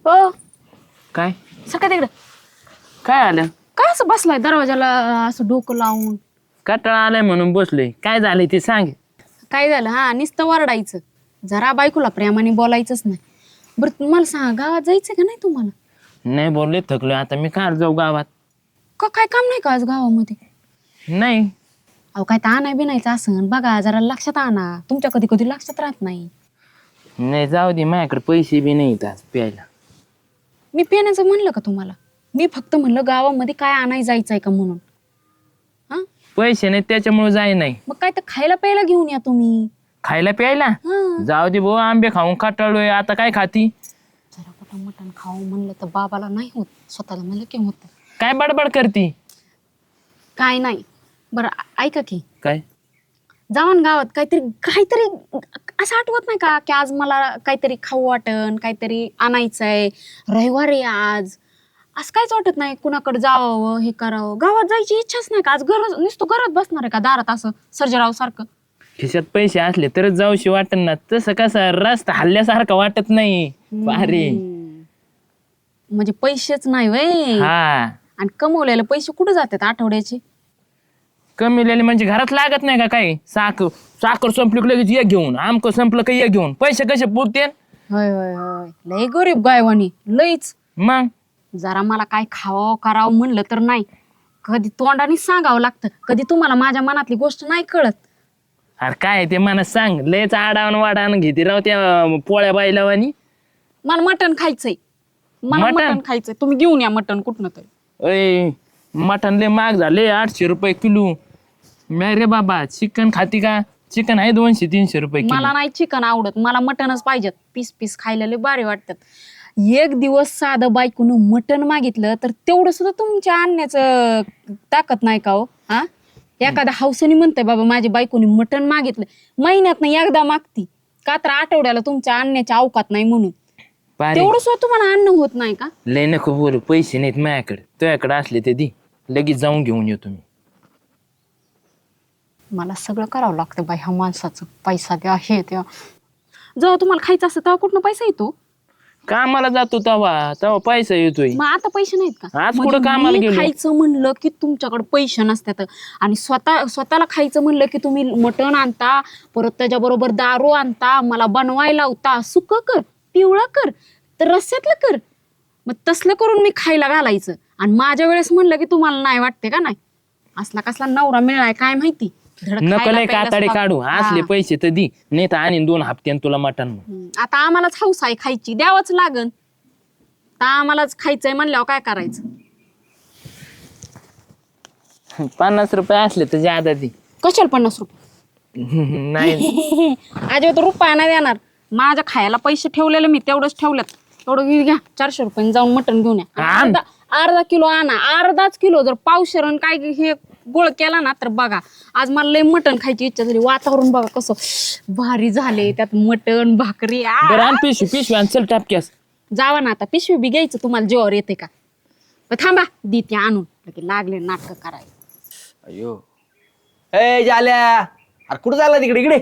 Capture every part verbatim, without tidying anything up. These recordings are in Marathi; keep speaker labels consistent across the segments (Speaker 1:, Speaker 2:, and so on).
Speaker 1: हो
Speaker 2: काय
Speaker 1: सकाळ तिकडं
Speaker 2: काय आलं?
Speaker 1: काय असं बसलाय दरवाजाला असं डोकं लावून.
Speaker 2: कटाळा आलाय म्हणून बसलोय. काय झालंय ते सांग.
Speaker 1: काय झालं हा नुसतं वरडायचं, जरा बायकोला प्रेमाने बोलायचंच नाही. बरं तुम्हाला सांगा गावात जायचं का नाही तुम्हाला?
Speaker 2: नाही बोलले, थकलोय आता. मी काय जाऊ गावात?
Speaker 1: का काय काम नाही का आज गावामध्ये?
Speaker 2: नाही.
Speaker 1: अहो काय तर आणाय बिनायचं असं बघा, जरा लक्षात आणा. तुमच्या कधी कधी लक्षात राहत नाही.
Speaker 2: नाही जाऊ दे, माझ्याकडे पैसे बी नाहीत आज प्यायला.
Speaker 1: मी पिण्याचं म्हणलं का तुम्हाला? मी फक्त म्हणलं गावामध्ये काय आणाय जायचंय का म्हणून. हा
Speaker 2: पैसे नाही त्याच्यामुळे जाय नाही.
Speaker 1: मग काय तर खायला प्यायला घेऊन या तुम्ही.
Speaker 2: खायला प्यायला
Speaker 1: हा
Speaker 2: जाऊ दे भाऊ, आंबे खाऊन कटाळलोय आता. काय खाती?
Speaker 1: जरा कुठं मटण खाऊ म्हणलं तर बाबाला नाही होत, स्वतःला म्हणलं की होत.
Speaker 2: काय बडबड करती?
Speaker 1: काय नाही. बरं ऐका की,
Speaker 2: काय
Speaker 1: जाऊन गावात काहीतरी काहीतरी असं आठवत नाही का की आज मला काहीतरी खाऊ वाटन, काहीतरी आणायचंय, रविवार आहे आज. असं काहीच वाटत नाही कुणाकडे जावं हे करावं. गावात जायची इच्छाच नाही का आज? गरज नुसतं घरात बसणार आहे का दारात असं सर्जराव सारखं?
Speaker 2: खिशात पैसे असले तरच जाऊशी वाटत ना. तसं कसं रस्ता हल्ल्यासारखं वाटत नाही. अरे
Speaker 1: म्हणजे पैसेच नाही वय.
Speaker 2: हा,
Speaker 1: आणि कमवलेले पैसे कुठे जातात आठवड्याचे?
Speaker 2: कमी म्हणजे घरात लागत नाही का? काय साखर साखर संपली की लगेच ये घेऊन, आमक संपलं का ये घेऊन. पैसे कसे पुरते?
Speaker 1: होय होय होय, लय गरीब गायवानी लईच.
Speaker 2: मग
Speaker 1: जरा मला काय खावं करावं म्हणलं तर नाही. कधी तोंडाने सांगावं लागतं, कधी तुम्हाला माझ्या मनातली गोष्ट नाही कळत.
Speaker 2: अरे काय ते मला सांग. लयच आडावण वाडावण घेते राव त्या पोळ्या बायलावानी.
Speaker 1: मला मटण खायचंय, मला
Speaker 2: मटण?
Speaker 1: मटण खायचंय. तुम्ही घेऊन या मटण कुठनं तरी.
Speaker 2: अय मटण लय महाग झाले, आठशे रुपये किलो. नाही रे बाबा, चिकन खाती का? चिकन आहे दोनशे तीनशे रुपये किलो.
Speaker 1: मला नाही चिकन आवडत, मला मटणच पाहिजेत. पीस पीस खायला लय भारी वाटतात. एक दिवस साधं बायकोनं मटण मागितलं तर तेवढं सुद्धा तुमच्या आणण्याचं ताकद नाही का हो? हा एखाद्या हौसेने म्हणतंय बाबा माझ्या बायकोनी मटण मागितलं, महिन्यात नाही एकदा मागती का तर आठवड्याला तुमच्या आणण्याच्या अवकात नाही म्हणून.
Speaker 2: पारे,
Speaker 1: तेवढं सुद्धा तुम्हाला अन्न होत नाही का?
Speaker 2: लय नको बोलू. पैसे नाहीत माझ्याकडे. तुझ्याकडे असले ते दी, लगेच जाऊन घेऊन येतो मी.
Speaker 1: मला सगळं करावं लागतं बाई ह्या माणसाचं. पैसा द्या हे द्या. जेव्हा तुम्हाला खायचं असतं तेव्हा कुठनं पैसा येतो?
Speaker 2: कामाला जातो तेव्हा तेव्हा पैसा येतोय.
Speaker 1: मग आता पैसे नाहीत का?
Speaker 2: आज
Speaker 1: म्हणजे
Speaker 2: कुठं कामाला
Speaker 1: मी
Speaker 2: गेलो?
Speaker 1: खायचं म्हणलं की तुमच्याकडे पैसे नसतात, आणि स्वतः स्वतःला खायचं म्हणलं की तुम्ही मटण आणता, परत त्याच्याबरोबर दारू आणता, मला बनवायला लावता. सुकं कर, पिवळं कर, तर रस्स्यातलं कर. मग तसलं करून मी खायला घालायचं. आणि माझ्या वेळेस म्हणलं की तुम्हाला नाही वाटते का? नाही असला कसला नवरा मिळालाय काय माहिती. धड
Speaker 2: नको
Speaker 1: खायला
Speaker 2: लय
Speaker 1: प्यायला
Speaker 2: काताडे
Speaker 1: सुद्धा-
Speaker 2: काढू. असले
Speaker 1: हा.
Speaker 2: पैसे तर दी, नाही तर आणि दोन हप्त्यान तुला मटण.
Speaker 1: हम्म. आता आम्हालाच हौस आहे खायची, द्यावंच लागन. आता आम्हालाच खायचंय म्हणल्यावर काय करायचं?
Speaker 2: पन्नास रुपये असले तर ज्यादा दी.
Speaker 1: कशाला पन्नास रुपये?
Speaker 2: नाही
Speaker 1: अजिबात रुपया नाही देणार. माझ्या खायला पैसे ठेवलेले मी तेवढंच ठेवलेत. तेवढं घे- घ्या चारशे रुपये जाऊन मटण घेऊन या.
Speaker 2: आण.
Speaker 1: अर्धा अर्धा किलो आणा, अर्धाच किलो. जर पावशेरण काय हे गोळ केला ना तर बघा. आज मला लय मटण खायची इच्छा झाली. वातावरण बघा कसं भारी झाले, त्यात मटण भाकरी. आ!
Speaker 2: बरं आण पिशवी पिशवी आण चल टापक्यास.
Speaker 1: जावा ना आता, पिशवी बी घ्यायचं तुम्हाला जेवावर येते का? पण थांबा देते आणून. लगे लागले नाटक करायला.
Speaker 3: अयो ए जाल्या, अरे कुठं चालला तिकडे? इकडे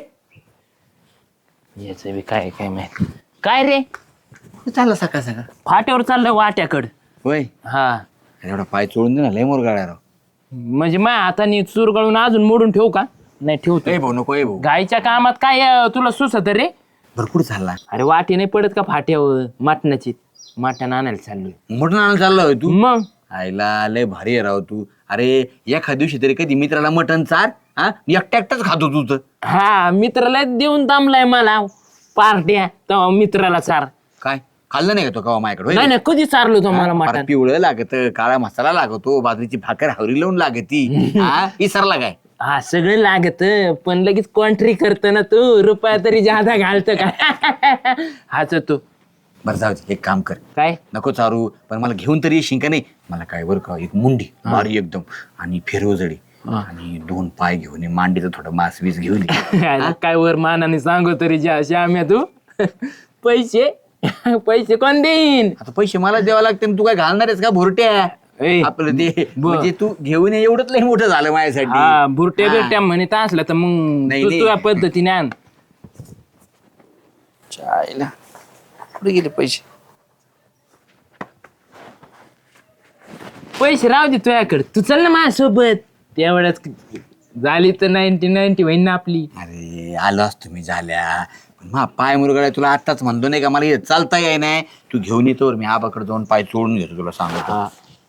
Speaker 2: याच बी काय काय माहित. काय रे?
Speaker 3: कुठं चालला सकाळ सकाळ?
Speaker 2: फाट्यावर चाललं वाट्याकड.
Speaker 3: होय,
Speaker 2: हा
Speaker 3: एवढा पाय चोळून दे ना, लय मोर गाड्या राव.
Speaker 2: म्हणजे माझ्या हाताने चुरगळून अजून मोडून ठेवू का? नाही ठेवतो.
Speaker 3: ए भाऊ नको, ए भाऊ.
Speaker 2: गायच्या कामात काय अं, तुला सुचत रे?
Speaker 3: भरपूर चालला.
Speaker 2: अरे वाटी नाही पडत का फाट्यावर मटणाची? मटण आणायला चाललोय.
Speaker 3: मोठं आणायला चालला होय तू?
Speaker 2: मग
Speaker 3: आईला लय भारी आहे राव तू. अरे एखाद्या दिवशी तरी कधी मित्राला मटण चार. हा एकटा एकटाच खातो तू तर.
Speaker 2: हा मित्राला देऊन थांबलाय मला पार्ट्या, तेव्हा मित्राला चार.
Speaker 3: काय खाल्लं नाही का तो कवा माझ्याकडे?
Speaker 2: नाही नाही कधी चारलो तो मला
Speaker 3: फार
Speaker 2: मटण.
Speaker 3: पिवळं लागत, काळा मसाला लागतो, बाजरीची भाकर हावरी लावून लागती. हा विसरला काय?
Speaker 2: हा सगळं लागत, पण लगेच कॉन्ट्री करत ना तू. रुपया तरी जादा घालत का? हाच तो.
Speaker 3: बरं जाऊ दे, एक काम कर.
Speaker 2: काय?
Speaker 3: नको चारू, पण मला घेऊन तरी येशील का नाही? मला काय बरं का, एक मुंडी भारी एकदम, आणि फिरवजडी, आणि दोन पाय घेऊन ये, मांडीचं थोडं मांस वीस घेऊन ये.
Speaker 2: काय वर मानाने सांगू तरी ज्या श्याम्या तू. पैसे पैसे कोण देईन?
Speaker 3: आता पैसे मला द्यावं लागते, तू काय घालणार आहेस का भुरट्या?
Speaker 2: ए,
Speaker 3: आपलं ते
Speaker 2: ब-
Speaker 3: म्हणजे तू घेऊन ये, एवढंच लय मोठं झालं माझ्यासाठी.
Speaker 2: हा बुरट्या
Speaker 3: हा.
Speaker 2: बिरट्या म्हणत असलं तर मग
Speaker 3: नाही,
Speaker 2: तू
Speaker 3: नाही.
Speaker 2: तुझ्या पद्धतीने आण.
Speaker 3: चायला कुठे गेले पैसे?
Speaker 2: पैसे राहू दे तुझ्याकडे, तू चल ना माझ्यासोबत. तेवढ्याच झाली तर नाईन्टी नाईन्टी होईन ना आपली.
Speaker 3: अरे आलो असतो मी झाल्या, पण मा पाय मुरगळा तुला आत्ताच म्हणतो नाही का, मला हे चालता याय नाही. तू घेऊन येतो, मी आबाकडे जाऊन पाय चोळून घेतो तुला सांगतो.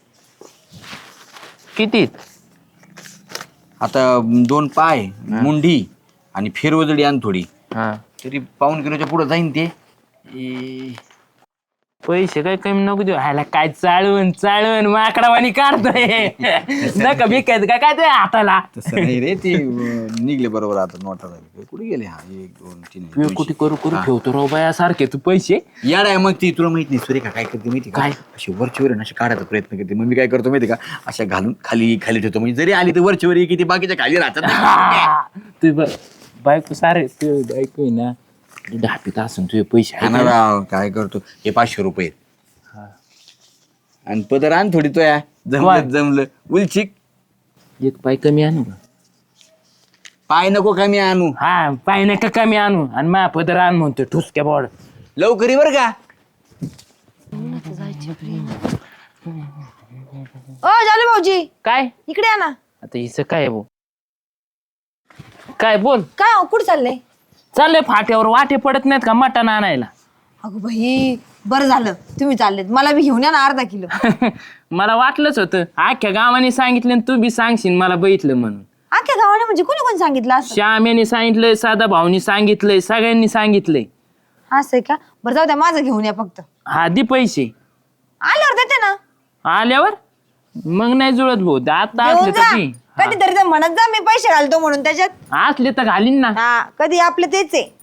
Speaker 2: किती?
Speaker 3: आता दोन पाय, मुंडी आणि फेरवजडी आण थोडी,
Speaker 2: हा
Speaker 3: तरी पाऊन किलोच्या पुढे जाईन ते. ए,
Speaker 2: पैसे काय कमी नको देऊ. ह्याला काय चाळवून चाळवून माकडावानी काढतोय. नका भिकायचं काय काय ते हाताला.
Speaker 3: तसं नाही रे, ते अं, निघले बरोबर. आता नोटा झाले कुठे गेले? हा एक दोन तीन
Speaker 2: तू कुठे करू करू ठेवतो राव बाया सारखे तू पैसे.
Speaker 3: याड आहे मग ती. तुला माहित नाही सुरेखा काय करते माहिती का?
Speaker 2: काय?
Speaker 3: अशी वरची वर अशी काढायचा प्रयत्न करते. मग मी काय करतो माहिती का, अशा घालून खाली खाली ठेवतो, म्हणजे जरी आली तर वरची वर किती बाकीच्या खाली राहतात.
Speaker 2: तू ब- बायको सारे तू बायको आहे ना ढापीत असून तुझे पैसे आहे
Speaker 3: हा ना
Speaker 2: ना?
Speaker 3: राव, काय करतो, हे पाचशे रुपये आणि पदर आण थोडी. तो या जमलं जमलं उलचिक.
Speaker 2: एक पाय कमी आणू का?
Speaker 3: पाय नको कमी आणू,
Speaker 2: हा पाय नाही का कमी आणू, आणि मा पदर आण म्हणतो ठुसक्या बोर्ड.
Speaker 3: लवकर ये बरं का.
Speaker 4: ओ झाले भाऊजी,
Speaker 2: काय
Speaker 4: इकडे या ना.
Speaker 2: आता हिचं काय भाऊ? काय बोल.
Speaker 4: काय हो, कुठे चाललंय?
Speaker 2: चाललंय फाट्यावर, वाटे पडत नाहीत का मटण आणायला?
Speaker 4: अगं भाई, बरं झालं तुम्ही चाललेत. मला बी घेऊन या ना अर्धा किलो.
Speaker 2: मला वाटलंच होतं, अख्ख्या गावाने सांगितलं आणि तू बी सांगशील मला बघितलं म्हणून.
Speaker 4: अख्ख्या गावाने म्हणजे कोणी कोणी सांगितलं असं?
Speaker 2: श्याम्याने सांगितलंय, साधा भाऊनी सांगितलंय, सगळ्यांनी सांगितलंय.
Speaker 4: असं आहे का? बरं जाऊ द्या, माझं घेऊन या फक्त.
Speaker 2: हा दे पैसे
Speaker 4: आल्यावर देते ना.
Speaker 2: आल्यावर मग नाही जुळत भाऊ, आता
Speaker 4: घेऊन
Speaker 2: असले
Speaker 4: जा.
Speaker 2: तर ती.
Speaker 4: कधीतरी तर म्हणत जा मी पैसे घालतो म्हणून त्याच्यात.
Speaker 2: असले तर घालीन ना.
Speaker 4: हा, कधी आपलं तेच आहे.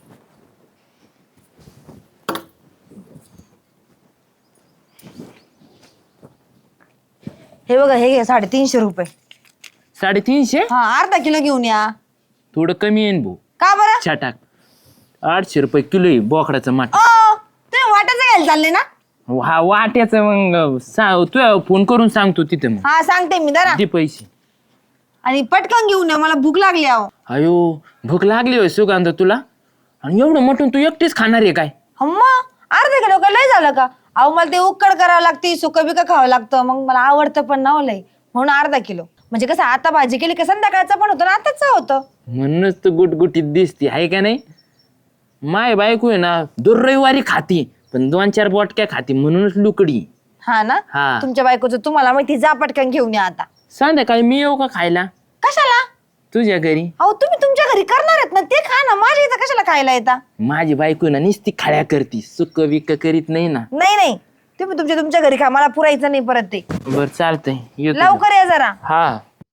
Speaker 4: हे बघा, हे घे साडेतीनशे रुपये.
Speaker 2: साडेतीनशे
Speaker 4: हा, अर्धा किलो घेऊन या.
Speaker 2: थोडं कमी येईन भाऊ.
Speaker 4: का बरं?
Speaker 2: छटाक आठशे रुपये किलो आहे बोकडाचं माठ.
Speaker 4: ओ, तुम्ही वाटायचं घ्यायला चालले ना?
Speaker 2: हा वाट्याचं मग सा- तू फोन करून सांगतो तिथे मग
Speaker 4: हा, सांगते मी जरा.
Speaker 2: दे पैसे.
Speaker 4: आणि पटकन घेऊन या, मला भूक लागली आहो.
Speaker 2: अयो भूक लागली होय सुगंध तुला? आणि एवढं मटून तू एकटीच खाणार आहे काय?
Speaker 4: अम्मा, अर्धा किलो का लय झालं का? अहो, मला ते उकड करावं लागते, सुकं बिकं खावं लागतं, मग मला आवडतं पण ना हो लय, म्हणून अर्धा किलो. म्हणजे कसं, आता भाजी केली का संध्याकाळचं पण होतं ना, आताच होतं.
Speaker 2: म्हणूनच तू गुटगुटीत दिसते आहे का नाही? माय बायको आहे ना दर रविवारी खाती, पण दोन चार बोटक्या खाती म्हणूनच लुकडी.
Speaker 4: हा ना?
Speaker 2: हा.
Speaker 4: तुमच्या बायकोचं तुम्हाला माहिती, जा पटकन घेऊन या आता.
Speaker 2: संध्याकाळी मी येऊ का खायला
Speaker 4: कशाला?
Speaker 2: तुझ्या घरी?
Speaker 4: अहो, तुम्ही तुमच्या घरी करणार आहेत ना, ते खा ना. माझ्या इथं कशाला खायला येता?
Speaker 2: माझी बायको आहे ना नुसती खाड्या करती, सुक विक करीत नाही ना.
Speaker 4: नाही नाही, तुम्ही तुमच्या तुमच्या घरी खा, मला पुरायचं नाही परत ते.
Speaker 2: बर चालतंय येतो.
Speaker 4: लवकर या जरा.
Speaker 2: हा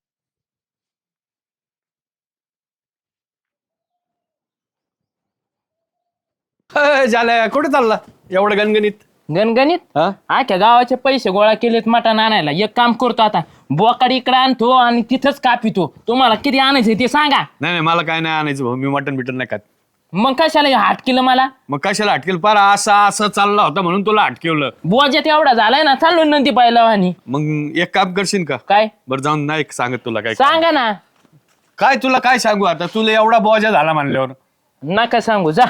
Speaker 5: झालं कुठे चालला एवढं गणगणित?
Speaker 2: गणगणित
Speaker 5: हा?
Speaker 2: आख्या गावाचे पैसे गोळा केलेत मटण आणायला. एक काम करतो आता, बोकाड इकडे आणतो आणि तिथंच कापितो. तुम्हाला किती आणायचंय ते सांगा.
Speaker 5: नाही नाही, मला काय नाही आणायचं भाऊ, मी मटन बिटन नाही खात.
Speaker 2: मग कशाला हे हाट केलं मला?
Speaker 5: मग कशाला अटकेल? पार असा असं चालला होता म्हणून तुला अटकेवलं.
Speaker 2: बोजात एवढा झालाय ना, चाललो नंदी पाहिला आणि
Speaker 5: मग एक काम करशील का?
Speaker 2: काय
Speaker 5: बरं जाऊन नाही सांगत तुला काय.
Speaker 2: सांगा ना.
Speaker 5: काय तुला काय सांगू आता, तुला एवढा बोजा झाला म्हणल्यावर.
Speaker 2: नका सांगू, जा.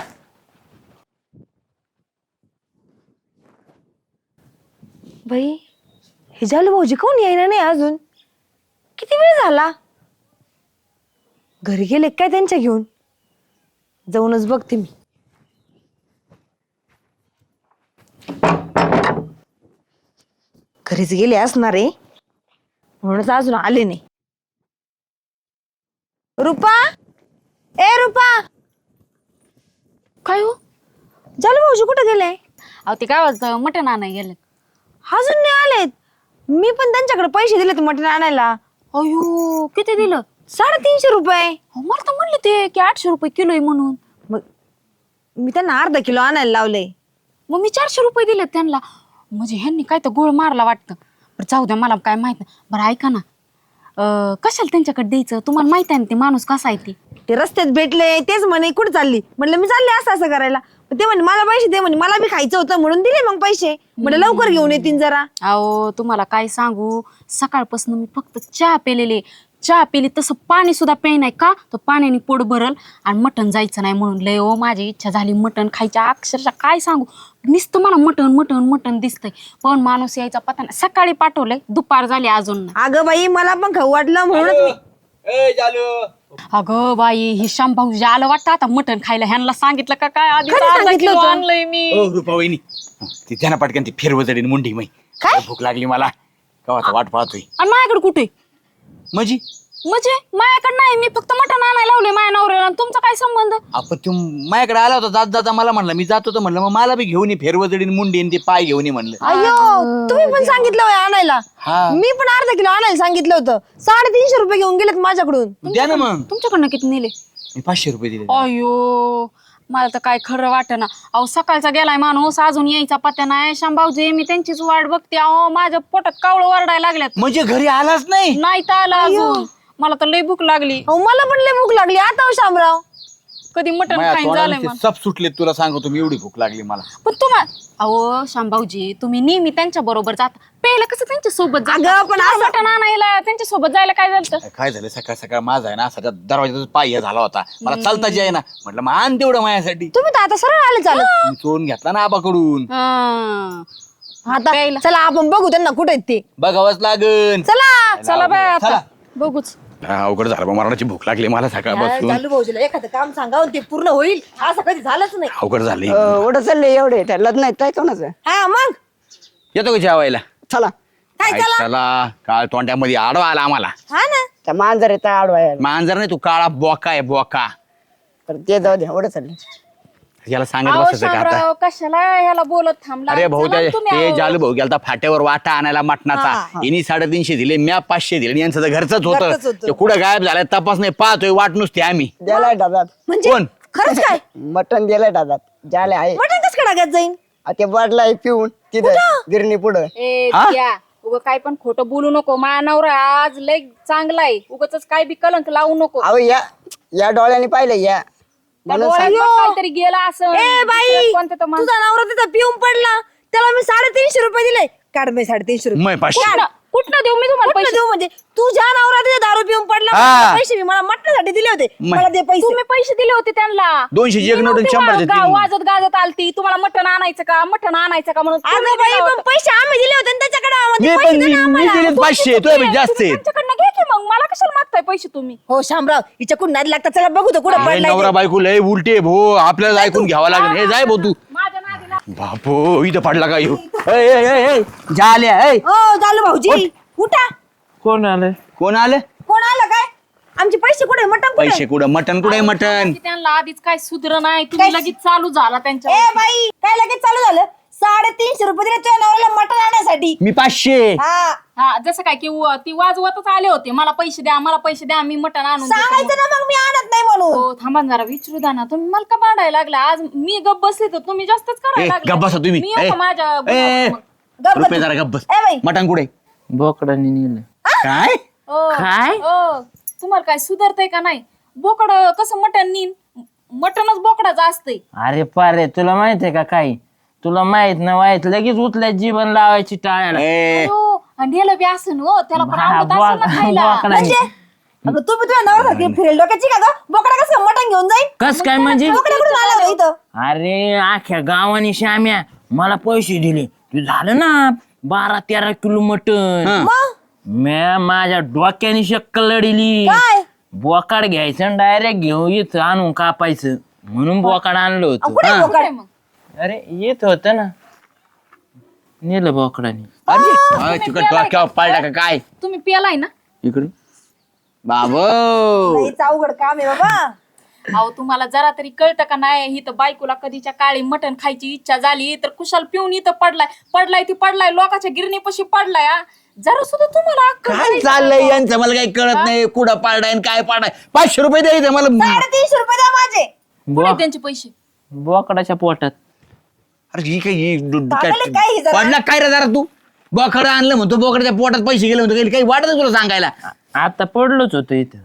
Speaker 4: बाई, हे झालं भाऊजी कोण येईना नाही अजून? किती वेळ झाला? घरी गेले काय त्यांच्या घेऊन? जाऊनच बघते मी. घरीच गेले असणार आहे, म्हणूनच अजून आले नाही. रुपा, ए रुपा,
Speaker 1: काय हो?
Speaker 4: झालं भाऊजी कुठे गेले?
Speaker 1: अहो ते काय वाजतं, मटण आणाय गेले.
Speaker 4: अजून नाही आलेत. मी पण त्यांच्याकडे पैसे दिलेत मटण आणायला.
Speaker 1: अयो, किती दिलं?
Speaker 4: साडेतीनशे रुपये.
Speaker 1: अहो, मला तर म्हणले ते की आठशे रुपये किलो आहे म्हणून.
Speaker 4: मग मी त्यांना अर्धा किलो आणायला लावले.
Speaker 1: मग मी चारशे रुपये दिले त्यांना. म्हणजे ह्यांनी काय तर गोळ मारला वाटतं. बरं जाऊ द्या, मला काय माहित नाही. बरं ऐका ना, अं, कशाला त्यांच्याकडे द्यायचं? तुम्हाला माहित आहे ना ते माणूस कसा आहे ते.
Speaker 4: ते रस्त्यात भेटले, तेच म्हणे कुठे चालली? म्हटलं मी चालले असं असं करायला. ते म्हणे मला पैसे दे, म्हणे मला बी खायचं होतं म्हणून दिले मग पैसे. म्हटलं लवकर घेऊन येतील जरा.
Speaker 1: अहो तुम्हाला काय सांगू, सकाळपासून मी फक्त चहा पेलेले, चहा पिली तसं पाणी सुद्धा पे नाही का तर पाण्याने पोट भरल आणि मटण जायचं नाही म्हणून लय ओ माझी इच्छा झाली मटण खायच्या अक्षरशः काय सांगू नुसतं मला मटण मटण मटण दिसतंय पण माणूस यायचा पता नाही सकाळी पाठवलंय दुपार झाली अजून नाही.
Speaker 4: अगं बाई मला पण खाऊ वाटलं म्हणूनच मी
Speaker 1: अगं बाई ही भाऊ आलं वाटतं आता मटण खायला ह्यांना सांगितलं का काय आधी
Speaker 4: खरं
Speaker 1: अर्धा
Speaker 4: सांगितलं
Speaker 1: किलो
Speaker 4: होतं.
Speaker 1: आणलंय मी
Speaker 3: ओ रुपा वहिनी ती त्यांना पटकन ती फिरवजडी मुंडी मै काय भूक लागली मला कवाचा वाट पाहतोय
Speaker 1: आणि माझ्याकडे कुठे
Speaker 3: म्हणजे
Speaker 1: म्हणजे माझ्याकडे नाही मी फक्त मटण आणायला लावले माझ्या नवऱ्याला आणि तुमचा काय संबंध
Speaker 3: आपण तू माझ्याकडे आला होता जात जाता मला म्हणलं मी जातो तर म्हणलं मग मला बी घेऊन ये फेरवजडी मुंडी आणि ते पाय घेऊन ये म्हणलं
Speaker 4: अयो तुम्ही पण सांगितलं होय आणायला
Speaker 3: हा.
Speaker 4: मी पण अर्धा किलो आणायला सांगितलं होतं साडेतीनशे रुपये घेऊन गेलेत माझ्याकडून
Speaker 3: द्या ना मग
Speaker 1: तुमच्याकडनं किती नेले
Speaker 3: मी पाचशे रुपये दिले
Speaker 1: अयो मला तर काय खरं वाटेना अहो सकाळचा गेलाय माणूस अजून यायचा पत्या नाही शांभाऊजी मी त्यांचीच वाट बघते अहो माझ्या पोटात कावळं वरडायला लागल्यात
Speaker 3: म्हणजे घरी आलाच नाही
Speaker 1: नाही तर आला अजून मला तर लय भूक लागली
Speaker 4: अहो मला पण लय भूक लागली आता हो शामराव
Speaker 1: कधी मटण
Speaker 3: माझ्या
Speaker 1: खाईन
Speaker 3: तोंडाला
Speaker 1: झालंय
Speaker 3: ते
Speaker 1: मला
Speaker 3: सब सुटले तुला सांगतो मी एवढी भूक लागली मला
Speaker 1: पण तुम्हा अहो शांभाऊजी तुम्ही नेहमी त्यांच्या बरोबर जाता पहिलं कसं त्यांच्या सोबत
Speaker 4: अगं, पण असं-
Speaker 1: मटण आणायला त्यांच्या सोबत जायला काय झालं
Speaker 3: काय झालं सकाळ सकाळ माझा आहे ना असा त्या दरवाजाचा पाय हे झाला होता मला चालता जे आहे ना म्हटलं मग आण तेवढं माझ्यासाठी
Speaker 4: तुम्ही तर आता सरळ आले चालत
Speaker 3: मी चोरून घेतला ना आबाकडून
Speaker 4: आता चला आपण बघू त्यांना कुठे आहेत ते
Speaker 3: बघावंच लागन
Speaker 4: चला
Speaker 1: चला बाय आता
Speaker 3: चला.
Speaker 1: बघूच
Speaker 3: हा, अवघड झालं बा, मरणाची भूक लागली मला सकाळपासून
Speaker 4: चालू भाऊजीला एखादं काम सांगावं ते पूर्ण होईल असं कधी झालंच नाही
Speaker 3: अवघड झाली
Speaker 6: एवढं चाललंय एवढे त्या लग्न आहेत काय कोणाचं
Speaker 4: हा मग
Speaker 3: येतो का जेवायला
Speaker 6: चला
Speaker 4: काय
Speaker 3: काय
Speaker 4: चला
Speaker 3: चला काळ तोंड्यामध्ये आडवा आला आम्हाला
Speaker 4: हा ना
Speaker 6: त्या मांजर येत आडवायला
Speaker 3: मांजर नाही तू काळा बोका आहे बोका
Speaker 6: तर ते जाऊ दे एवढं चाललंय
Speaker 3: याला सांगत
Speaker 1: अहो
Speaker 3: बसायचं का आता
Speaker 1: शामराव कशाला ह्याला बोलत थांबला
Speaker 3: अरे भाऊ
Speaker 1: चला
Speaker 3: त्या
Speaker 1: तुम्ही
Speaker 3: ते
Speaker 1: अहो.
Speaker 3: जालू भाऊ गेलता फाट्यावर वाटा आणायला मटणाचा हिनी साडेतीनशे दिले म्या पाचशे दिले आणि यांचं तर घरचंच
Speaker 4: घरचंच
Speaker 3: होतं
Speaker 4: होतं.
Speaker 3: ते कुठं गायब झालाय तपास नाही पाहतोय वाट नुसते आम्ही
Speaker 6: द्यायला डब्यात
Speaker 4: म्हणजे
Speaker 3: कोण?
Speaker 4: खरंच काय
Speaker 6: मटण दिलंय डब्यात ज्याले आहे
Speaker 4: मटण कसं काय टाकायचं जाईन
Speaker 6: आ ते वाढलाय पिऊन तिथं गिरणी पुढं
Speaker 1: ए
Speaker 3: हा?
Speaker 1: द्या उग काय पण खोटं बोलू नको माझा नवरा आज लय चांगला आहे उगाच काय बी कलंक लावू नको
Speaker 6: अहो या या डोळ्याने पाहिलं या
Speaker 1: त्या
Speaker 6: म्हणून
Speaker 1: डोळ्यात
Speaker 6: सांग-
Speaker 1: बघ काहीतरी गेला असं
Speaker 4: ए बाई
Speaker 1: कोणतं तर माणूस-
Speaker 4: तुझा नवरा तिथं पिऊन पडला त्याला मी साडेतीनशे रुपये दिले काढ बाई साडेतीनशे रुपये
Speaker 3: मग पाचशे
Speaker 1: कुठनं कुठनं देऊ मी तुम्हाला
Speaker 4: कुठनं
Speaker 1: पैसे
Speaker 4: देऊ म्हणजे तुझ्या नवरा तिथे दारू पिऊन पडला
Speaker 3: हा.
Speaker 4: मला पैसे मी मला मटणासाठी दिले होते
Speaker 3: मै.
Speaker 4: मला दे पैसे
Speaker 1: तुम्ही पैसे दिले होते त्यांना
Speaker 3: दोनशेची एक
Speaker 1: मी
Speaker 3: नोट आणि
Speaker 1: नव्हते
Speaker 3: शंभरची
Speaker 1: वा- गा-
Speaker 3: तीन.
Speaker 1: वाजत गाजत आलती तुम्हाला मटण आणायचं का मटण आणायचं का म्हणून तुम्ही
Speaker 4: अगं बाई
Speaker 1: दिलं
Speaker 4: पण
Speaker 1: होतं.
Speaker 4: पैसे आम्ही दिले होते आणि त्याच्याकडे
Speaker 3: मी
Speaker 4: पैसे
Speaker 3: पण
Speaker 4: दे
Speaker 3: मी
Speaker 4: ना
Speaker 3: मी
Speaker 4: आम्हाला.
Speaker 3: दिलेत पाचशे
Speaker 1: तुमची
Speaker 3: तुझ्या
Speaker 1: चुकी आहे.
Speaker 3: जास्त
Speaker 1: तुम्ही
Speaker 3: आहेत
Speaker 1: त्यांच्याकडनं घे की मग मला कशाला मागताय पैसे तुम्ही
Speaker 4: हो शामराव हिच्या कुठं नादी लागतात चला बघू तो कुठं
Speaker 3: अरे
Speaker 4: पडलाय
Speaker 3: नवरा
Speaker 4: ते.
Speaker 3: बायको लय उलटे भो आपल्याला ऐकून घ्यावं लागेल हे जाय भाऊ तू
Speaker 1: माझ्या नादीला
Speaker 3: बापो इथं पडला का येऊ झाल्या
Speaker 4: हो चालू भाऊजी उठा
Speaker 2: कोण आलंय
Speaker 3: कोण आलं
Speaker 4: कोण आलं काय आमचे पैसे कुठे मटण कुठे
Speaker 3: पैसे कुठं मटन कुठे मटन
Speaker 1: की त्यांना आधीच काय सुधर नाही तुम्ही
Speaker 4: काय?
Speaker 1: लगेच चालू झाला त्यांच्या
Speaker 4: ए बाई काय लगेच चालू झालं साडेतीनशे रुपये दिले तुझ्या नवऱ्याला मटण आणण्यासाठी
Speaker 3: मी पाचशे
Speaker 4: हा
Speaker 1: हा जसं काय की व- ती वाजवतच आले होते मला पैसे द्या मला पैसे द्या मी मटण आणून देतो.
Speaker 4: सांगायचं ना मग मी आणत नाही म्हणून
Speaker 1: हो थांबा ना जरा विचारू द्या ना तुम्ही मला का भांडायला लागला आज मी गप बसले तर तुम्ही जास्तच
Speaker 3: ए
Speaker 1: करायला लागला.
Speaker 3: गप्प बसा तुम्ही
Speaker 1: मी येतो
Speaker 3: ए,
Speaker 1: माझ्या
Speaker 3: ए,
Speaker 1: बुडावर मग.
Speaker 4: गप्प
Speaker 3: रुपये
Speaker 4: बस.
Speaker 3: जरा गप्प बस
Speaker 4: ए बाई
Speaker 3: मटन कुठे
Speaker 2: बोकडाने नेलं
Speaker 3: काय
Speaker 1: ओ,
Speaker 2: काय?
Speaker 1: ओ, तुम्हाला काय सुधारतंय का नाही बोकड कसं मटण नीन मटणच बोकडाचं असतंय
Speaker 2: अरे पारे तुला माहित आहे का काय तुला माहित ना माहित लगेच उचल्या जीवन लावायची टाळ्याला
Speaker 3: ए
Speaker 1: हो, आणि नेलं बी असं हो त्याला पण
Speaker 2: हा,
Speaker 1: आवडत असेल ना
Speaker 2: बोक-
Speaker 1: खायला.
Speaker 2: बोकडाने.
Speaker 4: म्हणजे अगं तू बी तुझ्या नवऱ्यासारखी फिरेल डोक्याची का ग बोकडा कसं मटण घेऊन जाईल
Speaker 2: कस काय म्हणजे
Speaker 4: बोकडा कुठून आला होता इथं
Speaker 2: अरे आख्या गावाने श्याम्या मला पैसे दिले तू झालं ना बारा तेरा किलो मटन
Speaker 4: मग
Speaker 2: म्या माझ्या डोक्याने शक्कल लढिली
Speaker 4: काय
Speaker 2: बोकाड घ्यायचं डायरेक्ट घेऊन येत आणून कापायचं म्हणून बोकाड आणलं
Speaker 4: अहो,
Speaker 2: होतं
Speaker 4: कुठे
Speaker 3: हा.
Speaker 4: बोकड
Speaker 1: काय मग
Speaker 2: अरे येत होत ना नेलं बोकडाने
Speaker 3: अरे तिकड डोक्यावर पाडला का काय
Speaker 1: तुम्ही पियालाय ना
Speaker 3: इकडे बाबो
Speaker 4: लईच अवघड काम आहे बाबा
Speaker 1: अहो तुम्हाला जरा तरी कळतं का नाही ही तर बायकोला कधीच्या काळी मटण खायची इच्छा झाली तर कुशाल पिऊन इथं पडलाय पडलाय ती पडलाय लोकांच्या गिरणीपाशी पडलाय हा. जरा सुद्धा तुम्हाला अक्कल
Speaker 3: काय
Speaker 1: नाही.
Speaker 3: चाललंय यांचं मला काही कळत नाही कुठं पाडाय आणि काय पाडाय पाचशे रुपये द्यायचं मला
Speaker 4: साडेतीनशे रुपये द्या माझे
Speaker 1: कुठे आहेत त्यांचे पैसे
Speaker 2: बोकडाच्या पोटात
Speaker 3: अरे ही काय ही डु- डु-
Speaker 4: पागल आहे काय ही
Speaker 3: काय
Speaker 4: जरा?
Speaker 3: पडला काय रे जरा तू बोकडं आणलं म्हणतो बोकडाच्या पोटात पैसे गेले म्हणतो काही वाटत तुला सांगायला
Speaker 2: आता पडलोच होतो इथं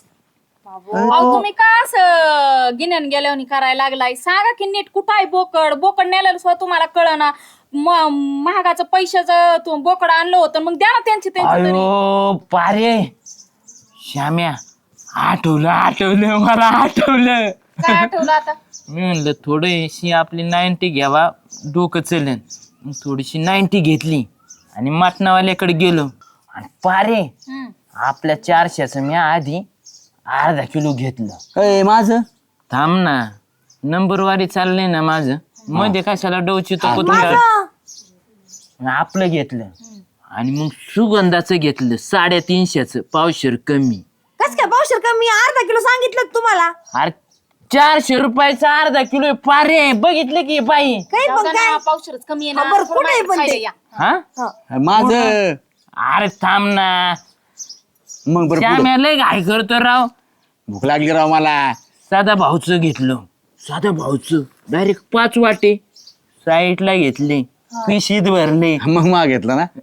Speaker 1: अहो तुम्ही का असं गिन्यान गेल्यावर करायला लागलाय सांगा की नीट कुठं आहे बोकड बोकड नेलेलं सुद्धा तुम्हाला कळना म- महागाचं पैशाचं तू बोकड आणलं होतं मग द्या ना त्यांचे त्यांचे तरी.
Speaker 2: अयो पारे श्याम्या आठवलं आठवलं मला आठवलं
Speaker 1: काय आठवलं आता?
Speaker 2: मी म्हणलं थोडीशी आपली नाईन्टी घ्यावा डोकं चलन मग थोडीशी नाईन्टी घेतली आणि मटणावाल्याकडे गेलो आणि पारे आपल्या चारशेचं मी आधी अर्धा किलो घेतलं.
Speaker 3: अय माझं
Speaker 2: थांब ना नंबरवारी चाललंय ना माझं मध्ये कशाला डोची तो आपलं घेतलं आणि मग सुगंधाचं घेतलं साडेतीनशेचं पावशेर कमी.
Speaker 4: कस काय पावशेर कमी अर्धा किलो सांगितलं तुम्हाला.
Speaker 2: अरे चारशे रुपयाचा अर्धा किलो पारे बघितलं की बाई.
Speaker 4: काही
Speaker 1: जाऊ
Speaker 4: पण
Speaker 1: द्या
Speaker 4: काय
Speaker 1: ना, पावशेरच कमी आहे
Speaker 4: हा,
Speaker 1: ना.
Speaker 4: बरं,
Speaker 1: थोडं
Speaker 4: कुठे आहे
Speaker 1: बाहेर
Speaker 4: पण ते?
Speaker 1: खायला या.
Speaker 2: हा
Speaker 3: माझं
Speaker 2: अरे थांब ना
Speaker 3: मग बरं पुढं.
Speaker 2: श्याम्या लय घाई करतो राव.
Speaker 3: भूक लागली राव मला.
Speaker 2: साधा भाऊचं घेतलं साधा भाऊचं डायरेक्ट पाच वाटे साईडला घेतले पिशीत भरले.
Speaker 3: मग मग घेतलं ना.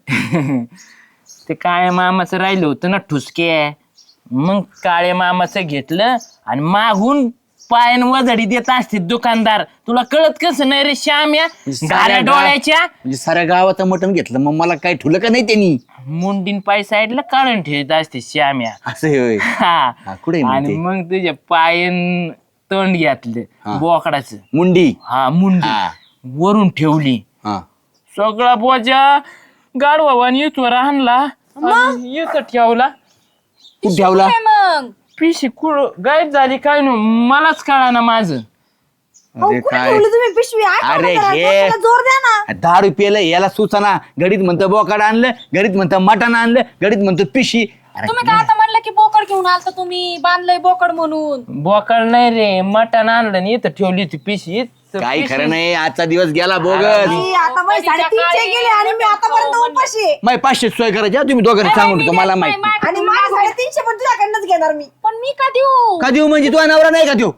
Speaker 2: ते काळ्या मामाचं राहिलं होतं ना ठुसके मग काळ्या मामाचं घेतलं आणि मागून पायन वजडी देत असते दुकानदार. तुला कळत कसं नाही रे श्याम्या गाड्या डोळ्याच्या
Speaker 3: म्हणजे साऱ्या गावाचं मटण घेतलं मग मला काय ठुलं का नाही त्यांनी.
Speaker 2: मुंडीन पाय साईडला काढून ठेवत असते श्याम्या.
Speaker 3: असं होय.
Speaker 2: हा.
Speaker 3: हा, कुठे आहे मग
Speaker 2: आणि
Speaker 3: ते?
Speaker 2: मग तुझ्या पायन तोंड घेतलं बोकडाचं.
Speaker 3: मुंडी.
Speaker 2: हा मुंडी
Speaker 3: हा.
Speaker 2: वरून ठेवली.
Speaker 3: हा
Speaker 2: सगळा बोजा गाडवाने इथवर आणला आणि इथं ठेवला.
Speaker 3: तू ठेवला.
Speaker 1: काय मग
Speaker 2: पिशी कुळ गायब झाली काय नु मलाच कळा ना माझं.
Speaker 4: अहो,
Speaker 3: अरे
Speaker 4: कुठे
Speaker 3: काय
Speaker 4: ठेवली तुम्ही पिशवी आठवलं
Speaker 3: अरे
Speaker 4: जरा,
Speaker 3: हे
Speaker 4: डोक्याला जोर द्या ना.
Speaker 3: दहा रुपयाला याला सुचना. घडीत म्हणतं बोकाड आणलं घडीत म्हणतं मटण आणलं घडीत म्हणतं पिशी. अरे
Speaker 1: तुम्ही काय आता म्हणलं की बोकड घेऊन आलता तुम्ही बांधलंय बोकड म्हणून.
Speaker 2: बोकड नाही रे मटण आणलं आणि इथं ठेवली होती पिशी.
Speaker 3: काही खरं नाही. आजचा दिवस गेला बोगस.
Speaker 4: मी आता माझे साडेतीनशे गेले आणि मी आतापर्यंत उपाशी आहे.
Speaker 3: माय पाचशे सोय करायची हा, तुम्ही दोघांनी सांगून होतो मला माहिती.
Speaker 4: आणि माझे साडेतीनशे पण तुझ्याकडनंच घेणार मी.
Speaker 1: पण मी का देऊ?
Speaker 3: का देऊ म्हणजे तुझा नवरा नाही का देऊ.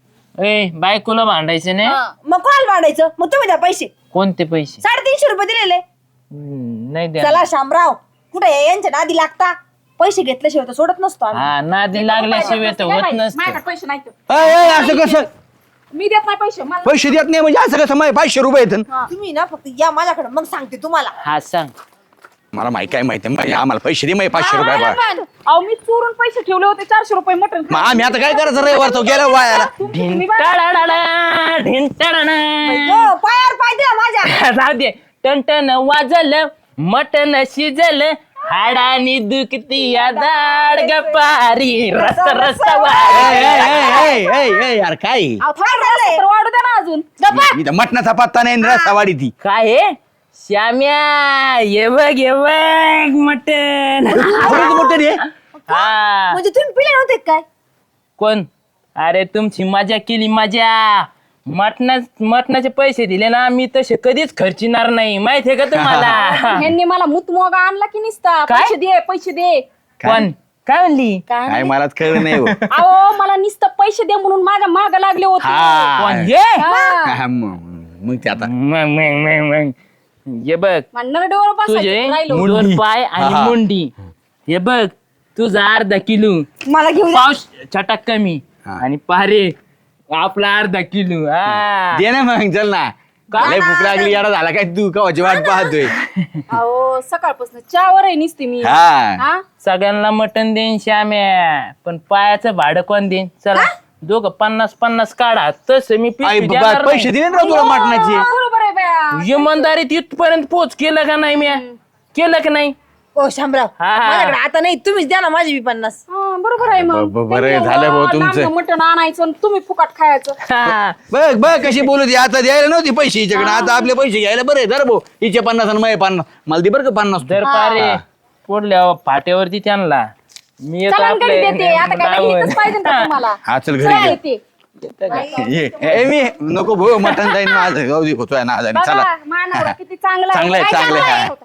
Speaker 2: ए बायकोला भांडायचं नाही.
Speaker 4: मग कोणाला भांडायचं मग तुम्ही द्या पैसे.
Speaker 2: कोणते पैसे?
Speaker 4: साडेतीनशे रुपये दिलेले.
Speaker 2: हम्म, नाही द्या.
Speaker 4: चला शामराव कुठे यांच्या नादी लागता. पैसे घेतल्याशिवाय तर सोडत नसतो आम्ही.
Speaker 2: हा नादी लागल्याशिवाय तर होत नसतं.
Speaker 1: माझ्याकडे पैसे नाही तर.
Speaker 3: अय, अय, असं कसं
Speaker 1: मी देत नाही पैसे मला.
Speaker 3: पैसे देत नाही म्हणजे असं कसं माझे पाचशे रुपये येतात.
Speaker 4: तुम्ही ना फक्त या माझ्याकडे मग सांगते तुम्हाला.
Speaker 2: हा सांग.
Speaker 3: मला माहिती काय माहिती आहे आम्हाला पैसे दे माझे पाचशे रुपये बा.
Speaker 1: पण, अहो मी चोरून पैसे ठेवले होते चारशे रुपये मटण.
Speaker 3: मग आम्ही आता काय करायचं रविवार तो गेला वायाला.
Speaker 2: ढिंटाडाडा, ढिंटाडाडा.
Speaker 4: हो, पायावर पाय दिला माझ्या.
Speaker 2: राहू दे टनटन वाजलं मटन शिजलं हाडानी दुखती या दाड गपारी रस रस
Speaker 3: ए,
Speaker 2: वारी.
Speaker 3: ए, ए, ए, ए, ए, यार काय
Speaker 1: अहो, थोडं रस्सा तर वाढू द्या ना अजून.
Speaker 3: इथं मटणाचा पत्ता नाही आणि रस्सावाडी ती.
Speaker 2: काय आहे? श्याम्या ये बघ ये बघ मटन.
Speaker 3: खरंच मोठं रे.
Speaker 2: हा
Speaker 4: म्हणजे तुम्ही पिले नव्हते का काय.
Speaker 2: कोण? अरे तुमची मजा केली मजा. मटणा मटणाचे पैसे दिले ना मी तसे कधीच खर्चिणार नाही माहितीये का तुम्हाला.
Speaker 1: ह्यांनी मला मुतमोगा आणला की निसता.
Speaker 2: काय?
Speaker 1: पैसे दे पैसे दे.
Speaker 2: कोण काय म्हणली?
Speaker 3: काय मलाच कळलं नाही हो.
Speaker 1: अहो मला नुसतं पैसे दे म्हणून माझ्या माग लागले होते.
Speaker 2: कोण
Speaker 3: हा.
Speaker 2: हे?
Speaker 1: हा.
Speaker 3: हा, मग मग ते आता
Speaker 2: मग मग मग मग ये बघ
Speaker 1: मला नरडेवर बसायचं
Speaker 2: तुझे
Speaker 1: राहिलो.
Speaker 2: दोन पाय आणि
Speaker 3: हा.
Speaker 2: मुंडी. हे बघ तुझा अर्धा किलो
Speaker 4: मला घेऊन या.
Speaker 2: पाऊस छटाक कमी
Speaker 3: हा.
Speaker 2: आणि पारे आपला अर्धा किलो. हा.
Speaker 3: दे ना मग चल ना. लय भूक लागली याडा झाला काय तू कवाची वाट पाहतोय.
Speaker 1: अहो सकाळपासून चहावर आहे निसते मी.
Speaker 3: हा
Speaker 1: हा
Speaker 2: सगळ्यांना मटण देईन श्याम्या पण पायाचं भाडं कोण देईन? चला दोघं पन्नास पन्नास काढा तसं मी
Speaker 3: आई
Speaker 2: पिशवी
Speaker 3: बाबा
Speaker 2: देणार
Speaker 3: पैसे
Speaker 2: नाही.
Speaker 3: दिले ना तुला मटणाचे.
Speaker 1: बरोबर आहे बया.
Speaker 2: इमानदारीत इथपर्यंत पोच केलं का नाही म्या? केलं का नाही?
Speaker 4: ओ शामराव
Speaker 2: हा.
Speaker 4: माझ्याकडे आता नाही तुम्हीच द्या ना माझी बी पन्नास.
Speaker 1: हा, बरोबर आहे मग.
Speaker 3: ब- ब- बरं
Speaker 1: त्यांनी
Speaker 3: झालं भाऊ
Speaker 1: एवढं
Speaker 3: तुमचं.
Speaker 1: लांबनं मटण आणायचं आणि तुम्ही फुकट खायचं.
Speaker 2: हा.
Speaker 3: बघ बघ कशी बोलू ती. आता द्यायला नव्हती पैसे हिच्याकडे आता आपले पैसे घ्यायला बरे धर भाऊ. हिचे पन्नास आणि माझे पन्नास मला दे बरं का पन्नास तू.
Speaker 2: दर पारे पुढल्या फाट्यावरती त्यांना मी येतो
Speaker 1: चला घरी देते. आता काय
Speaker 2: आपले
Speaker 1: इथंच पाहिजे का तुम्हाला?
Speaker 3: हा चल घरी
Speaker 1: चला
Speaker 3: घे.
Speaker 1: येते.
Speaker 3: ये ए, मी नको भाऊ मटण जाईन माझं गावदी होतोय ना आज आणि चला.
Speaker 1: बघा मानवरा किती चांगला आहे.
Speaker 3: चांगलं आहे
Speaker 1: काय
Speaker 3: चांगलं
Speaker 1: चांगलं
Speaker 3: आहे
Speaker 1: आहे?